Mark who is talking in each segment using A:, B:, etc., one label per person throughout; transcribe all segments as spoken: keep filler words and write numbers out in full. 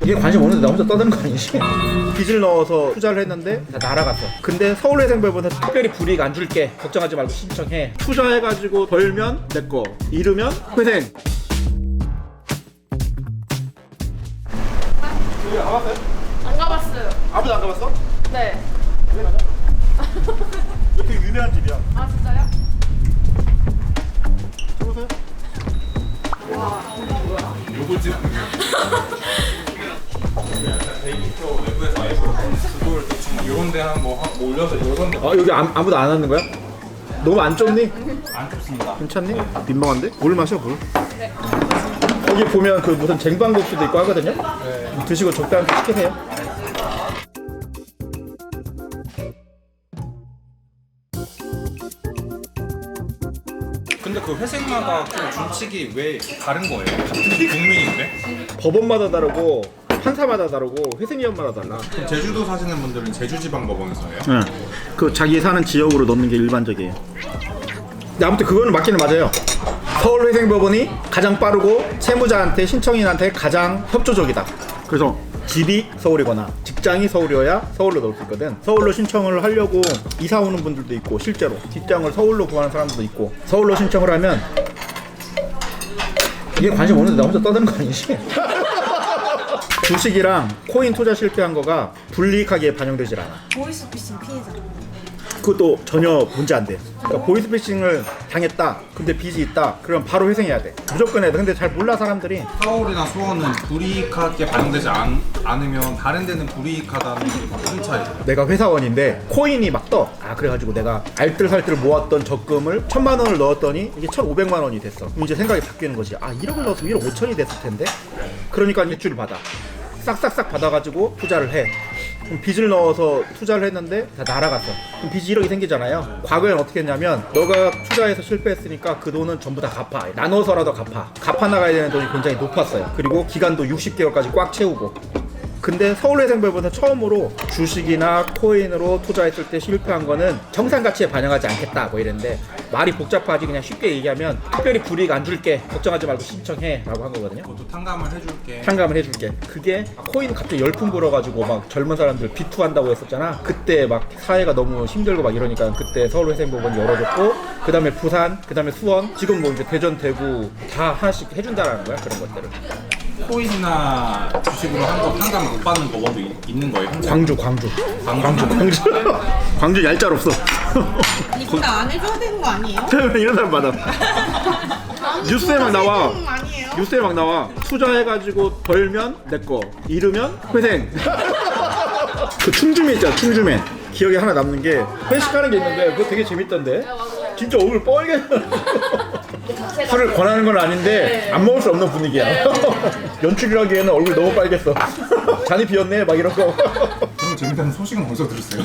A: 이게 관심 없는데 나 혼자 떠드는 거 아니지? 빚을 넣어서 투자를 했는데 다 날아갔어. 근데 서울회생별보다 특별히 불이익 안 줄게, 걱정하지 말고 신청해. 투자해가지고 벌면 내거, 잃으면 회생. 여기 가봤어요?
B: 안 가봤어요.
A: 아무도 안 가봤어?
B: 네.
A: 이거 되게 유명한 집이야.
B: 아 진짜요?
A: 들어오세요.
C: 요거 찍 데이터 외부에서 아예 그걸 대충 이런 데한뭐 뭐 올려서 이런 데
A: 아 여기 아, 아무도 안 왔는 거야? 너무 안 좁니?
C: 안 좁습니다.
A: 괜찮니? 민망한데? 물 마셔 물. 네. 거기 보면 그 무슨 쟁반국수도 있고 하거든요. 네. 드시고 적당히 시키세요.
C: 근데 그 회생마다 좀 준칙이 왜 다른 거예요? 같은 국민인데?
A: 법원마다 다르고 판사마다 다르고 회생위원마다 달라.
C: 그럼 제주도 사시는 분들은 제주지방법원에서 해요?
A: 응. 그 자기 사는 지역으로 넣는 게 일반적이에요. 근데 아무튼 그거는 맞기는 맞아요. 서울회생법원이 가장 빠르고 채무자한테 신청인한테 가장 협조적이다. 그래서 집이 서울이거나 직장이 서울이어야 서울로 넣을 수 있거든. 서울로 신청을 하려고 이사 오는 분들도 있고 실제로 직장을 서울로 구하는 사람들도 있고. 서울로 신청을 하면 이게 관심 없는데 나 혼자 떠드는 거 아니지? 주식이랑 코인 투자 실패한 거가 불이익하게 반영되질 않아.
D: 보이스피싱 피해자.
A: 그것도 전혀 문제 안 돼. 그러니까 보이스피싱을 당했다. 근데 빚이 있다. 그럼 바로 회생해야 돼. 무조건 해야 돼. 근데 잘 몰라 사람들이.
C: 서울이나 수원은 불이익하게 반영되지 않, 않으면 다른 데는 불이익하다는 게 무슨 차이예요?
A: 내가 회사원인데 코인이 막 떠. 아 그래가지고 내가 알뜰살뜰 모았던 적금을 천만 원을 넣었더니 이게 천오백만 원이 됐어. 그럼 이제 생각이 바뀌는 거지. 아 일억을 넣었으면 일억 오천이 됐을 텐데. 그러니까 대출을 받아. 싹싹싹 받아가지고 투자를 해. 그럼 빚을 넣어서 투자를 했는데 다 날아갔어. 그럼 빚이 일억이 생기잖아요. 과거에는 어떻게 했냐면 너가 투자해서 실패했으니까 그 돈은 전부 다 갚아. 나눠서라도 갚아. 갚아 나가야 되는 돈이 굉장히 높았어요. 그리고 기간도 육십 개월까지 꽉 채우고. 근데 서울회생별보다 처음으로 주식이나 코인으로 투자했을 때 실패한 거는 정상가치에 반영하지 않겠다 뭐 이랬는데, 말이 복잡하지 그냥 쉽게 얘기하면 특별히 불이익 안 줄게, 걱정하지 말고 신청해 라고 한 거거든요.
C: 그것도 탕감을 해줄게.
A: 탕감을 해줄게. 그게 코인 갑자기 열풍 불어가지고 막 젊은 사람들 비투한다고 했었잖아. 그때 막 사회가 너무 힘들고 막 이러니까 그때 서울회생법원이 열어줬고, 그 다음에 부산, 그 다음에 수원, 지금 뭐 이제 대전, 대구 다 하나씩 해준다라는 거야. 그런 것들을.
C: 코인이나 주식으로 한 거 탕감 못 받는 법원도 있, 있는 거예요? 현재?
A: 광주, 광주,
C: 광주.
A: 광주, 광주 얄짤 없어.
D: 이거 안 해줘야 되는 거 아니에요?
A: 이런 사람 많아. 뉴스에 막 나와.
D: 아니에요?
A: 뉴스에 막 나와. 투자해가지고 벌면 내 거, 잃으면 회생. 그 충주맨 있잖아, 충주맨. 기억에 하나 남는 게 회식하는 게 있는데 그거 되게 재밌던데. 진짜 얼굴 뻘게. 술을 권하는 건 아닌데 안 먹을 수 없는 분위기야. 연출이라기에는 얼굴 너무 빨겠어. 잔이 비었네 막 이런 거.
C: 너무 재밌다는 소식은 어디서 들었어요?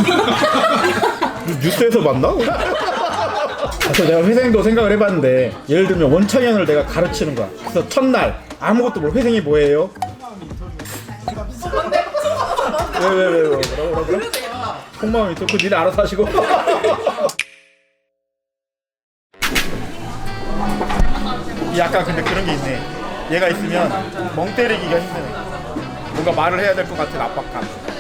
A: 뉴스에서 봤나? 그래서 내가 회생도 생각을 해봤는데, 예를 들면 원창현을 내가 가르치는 거야. 그래서 첫날 아무것도 모르고 회생이 뭐예요? 왜 왜 왜 왜 뭐라고 뭐라고? 속마음이 있어. 그거 니네 알아서 하시고. 약간 근데 그런 게 있네. 얘가 있으면 멍 때리기가 힘드네. 뭔가 말을 해야 될 것 같은 압박감.